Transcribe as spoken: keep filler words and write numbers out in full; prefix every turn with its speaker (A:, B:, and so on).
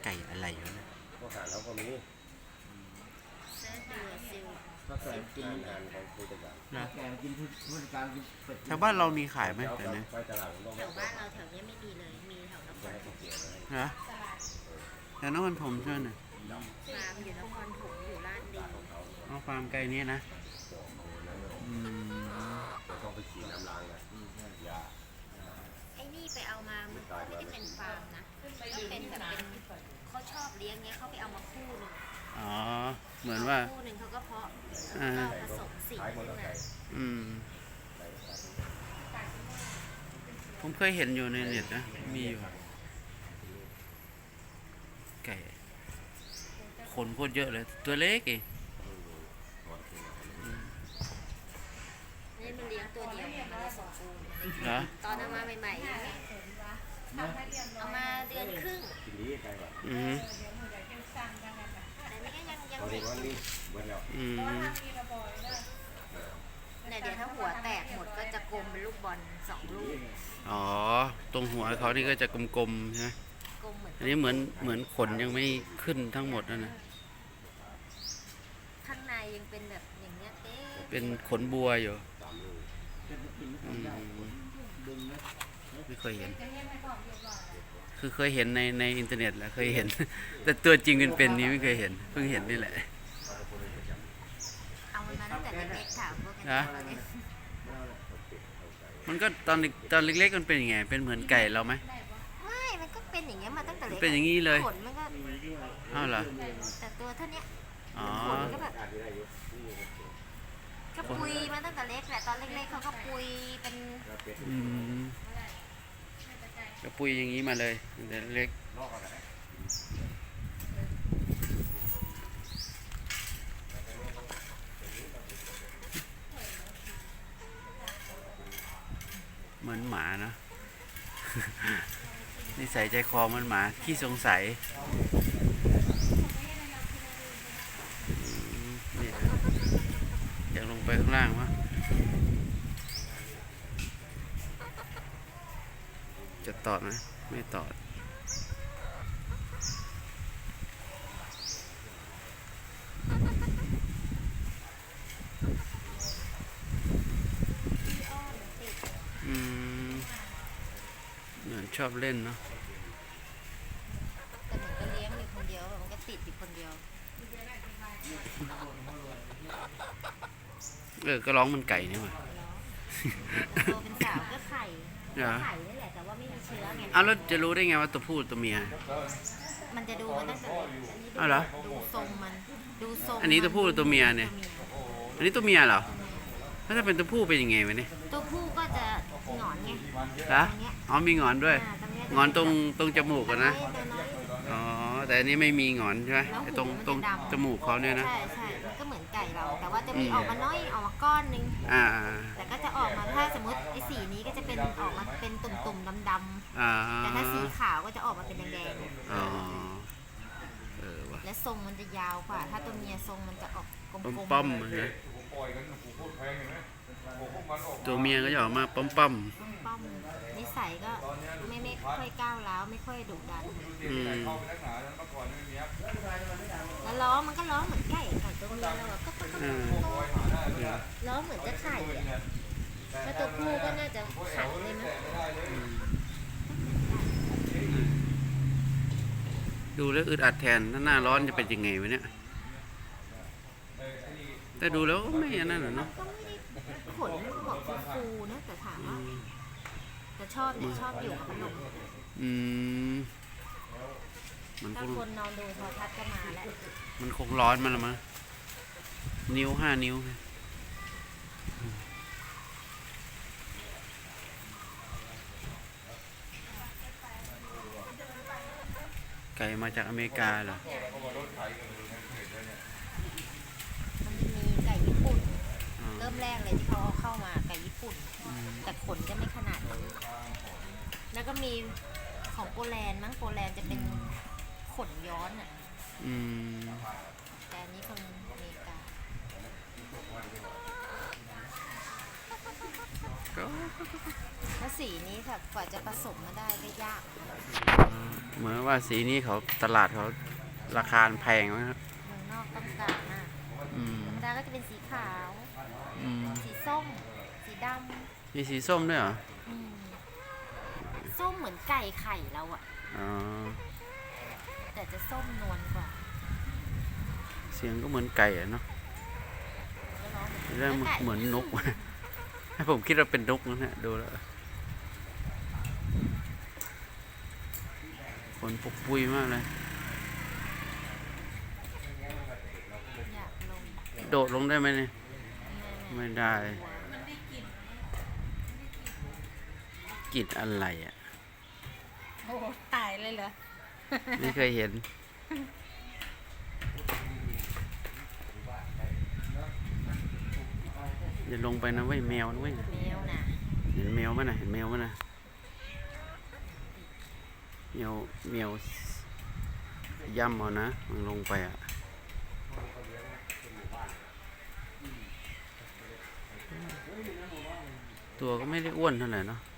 A: ไก่อะไรวะเนี่ย
B: ก็หารเขาก็มี
C: เสื้อเดือซิล
D: ถ้าแกกิน
B: งานของคุยกัน
A: นะ
D: แกกินผู้จัดการเป็ด
A: แถวบ้านเรามีขายไหมเดี๋ยวนี้
B: ไปตลาดต้อง
C: แถวบ้านเราแถวนี้ไม่มีเลย มีแถวนครถม
A: นะแต่นครปฐมใช่ไหมเนี่ย
C: ฟาร์มอยู่นครถมอยู่ลาดดี
A: เอาฟาร์มไก่นี้นะอืม
B: ต้องไปฉีดน้ำล้างนะยา
C: ไอ้นี่ไปเอามามันก็ไม่ได้เป็นฟาร์มนะก็เป็นแบบเป็นเขาชอบเลี้ยงเงี้ยเขาไปเอามาคู่หนึ่ง
A: อ๋อเหมือนว่า
C: คู่หนึ่งเขาก็เพาะ
A: อ่า
C: ก็ผสมสี
B: ขายหมด
C: ขึ้น
B: แล้ว
C: มา
B: ไก่
A: อืมผมเคยเห็นอยู่ในเน็ตนะมีอยู่ไก่ขนโคตรเยอะเลยตัวเล็กเอง
C: นี่มันเลี้ยงตัวเดียวมันเลยสมบูรณ์
A: เหรอ
C: ตอนเอามาใหม่ๆอย่างเงี้ยเอามาเดือนครึ่ง
B: กินดีไก่ก่อน
A: อืม
C: แต่นี่ก็ยังยัง
B: ตอน
C: เด็
B: นี้
C: ก
B: วัน
C: อยู่
B: นี้วันแล้ว
A: อืม
C: เนี่ยเดี๋ยวถ้าหัวแตกหมดก็จะกลมเป็นลูกบอลสองลูก
A: อ๋อตรงหัวเขานี่ก็จะกลมๆใช่ไหม
C: กลมเหมือน
A: อันนี้เหมือนเหมือนขนยังไม่ขึ้นทั้งหมดนะนะ
C: ข้างในยังเป็นแบบอย่างเงี้ยเต้
A: เป็นขนบัวอยู่
B: สามลูก
A: อืม
D: ดึงนะ
A: ไม่เคยเห็น คือเคยเห็นในในอินเทอร์เน็ตแหละเคยเห็น แต่ตัวจริงเป็นๆนี้ไม่เคยเห็นเพิ่งเห็นนี่แหละ
C: เอามันมาตั้งแต่เล็กๆถามพวกกัน
A: นะ มันก็ตอนเด็กตอนเล็กๆมันเป็นยังไงเป็นเหมือนไก่เราไหม
C: ไม่มันก็เป็นอย่างเงี้ยมาตั้งแต่เล็ก
A: เป็นอย่างนี้เลย
C: ขนมันก็
A: อ้าวเหรอ
C: แต่ตัวเท่าเนี้ย
A: อ๋อ
C: ขนก็แบบ
B: อาทิตย์ได้อยู่นี่
C: ก็ปุยมาตั้งแต่เล็กแหละตอนเล็กๆเขาก็ปุยเป็น
B: ก็เป็ด
A: อืมกระปุยอย่างนี้มาเลยตั้งแต่เล็ก
B: นอกอะไร
A: เหมือนหมานะ นิสัยใจคอเหมันหมาขี้สงสัยอืมนี่นะอยากลงไปข้างล่างวะจะตอดไหมไม่ตอด อืมเหมือนชอบเล่นเนาะ
C: แต่เหมือนก็เลี้ยงอยู่คนเดียวมันก็ติดอยู่คนเดียว
A: เออก็ร้องมันไก่นี่หว่า
C: โตเป็นสาวก็ไข่
A: เหรอ
C: ไข่นี่แหละแต่ว่าไม่มีเชื้อไง
A: อ้าวแล้วจะรู้ได้ไงว่าตัวผู้ตัวเมีย
C: มันจะดูมันตั้งแต่เล็ก
A: อ้าวเหรอ
C: ดูทรงมันดูทรง
A: อันนี้ตัวผู้หรือตัวเมียเนี่ย อันนี้ตัวเมียเหรอแล้วถ้าเป็นตัวผู้เป็นยังไงวะเนี่ย
C: ตัวผู้ก็จะหงอนไง
A: ฮะอ๋อมีหงอนด้วย
C: อ่าตรงเนี้ย
A: หงอนตรงตรงจมูกอะนะ
C: ตัวน้อย
A: อ๋อแต่อันนี้ไม่มีหงอนใช่ไหม
C: แล้ว
A: ไอ้ตรง
C: หูมัน
A: ตรง
C: จะดำ
A: จมูกเขาเนี่ยนะ
C: ใช่ใช่มันก็เหมือนไก่เรา แต่ว่าจะมี
A: อืม
C: ออกมาน้อยออกมาก้อนนึง
A: อ่า
C: แต่ก็จะออกมาถ้าสมมติไอ้สีนี้ก็จะเป็นออกมาเป็นตุ่มๆดำ
A: อ่า
C: ๆแต่ถ้าสีขาวก็จะออกมาเป็นแดง
A: อ๋อเออว่ะ
C: ๆและทรงมันจะยาวกว่า ถ้าตัวเมียทรงมันจะออกกล
A: ป้อม
C: มๆ
A: ป้อมๆมันนะตัวเมียก็จะออกมาป้อมป้อม
C: ป้อมนิสัยก็ไม่ไม่ค่อยก้าวร้าวไม่ค่อยดุดัน
A: ๆอืม
C: แล้วร้องมันก็ร้องเหมือนไก่ไก่ตัวเมียเราอะก็ก็ก็
A: อืม
C: ร้องเหมือนจะไข่อะแล้วตัวผู้ก็น่าจะไข่เลยมั้ง
A: ดูแล้วอึดอัดแทนถ้าหน้าร้อนจะเป็นยังไงวะเนี่ยแต่ดูแล้วก็ไม่อันนั้นหรอกเนาะ
C: ก็ไม่ได้ขนหัวฟูๆนะแต่ถามว่าแต่ชอบเนี่ยชอบอยู่กับพัดลม
A: อืมมันค
C: ถ้าง คนนอนดูโทรทัศน์ก็มาแล้ว
A: มันคงร้อนมันละมั้งนิ้วห้านิ้วไก่มาจากอเมริกาเหรอ
C: มันจะมีไก่ญี่ปุ่น
A: อ๋อ
C: เริ่มแรกเลยที่เขาเอาเข้ามาไก่ญี่ปุ่น
A: อืม
C: แต่ขนจะไม่ขนาดนี้แล้วก็มีของโปแลนด์มั้งโปแลนด์จะเป็นขนย้อนอ่ะ
A: อืม
C: แต่อันนี้คนอเมริกา
A: ก็
C: แล้วสีนี้ค่ะกว่าจะผสมมาได้ก็ยาก
A: อืเหมือนว่าสีนี้เขาตลาดเขาราคาแพงไหมครับ
C: เมืองนอกต้องการมาก
A: อืม
C: ธรรมดาก็จะเป็นสีขาว
A: อืม
C: สีส้ม สีด
A: มีสีส้มด้วยเหรอ
C: ำอืมส้มเหมือนไก่ไข่เราอะ
A: อ๋อ
C: แต่จะส้มนวลกว่า
A: เสียงก็เหมือนไก่อะเนาะ
C: ก็ร้องเหมือน
A: เรื่องเหมือนนก ให้ผมคิดว่าเป็นนกนะฮะดูแล้วคนปุกปุยมากเลย
C: อยากลง
A: โดดลงได้ไหมเนี่ย ไม่ได้ กลิ่นอะไรอ่ะ
C: โอ้ตายเลยเหรอ
A: ไม่เคยเห็น อย่าลงไปนะเว้ยแมวนะเว้ย
C: แมวน่ะ
A: เห็นแมวมั้ยนะเห็นแมวมั้ยนะแมวแมวย่ำเอานะมันลงไปอ่ะ ตัวก็ไม่ได้อ้วนเท่าไหร่เนาะ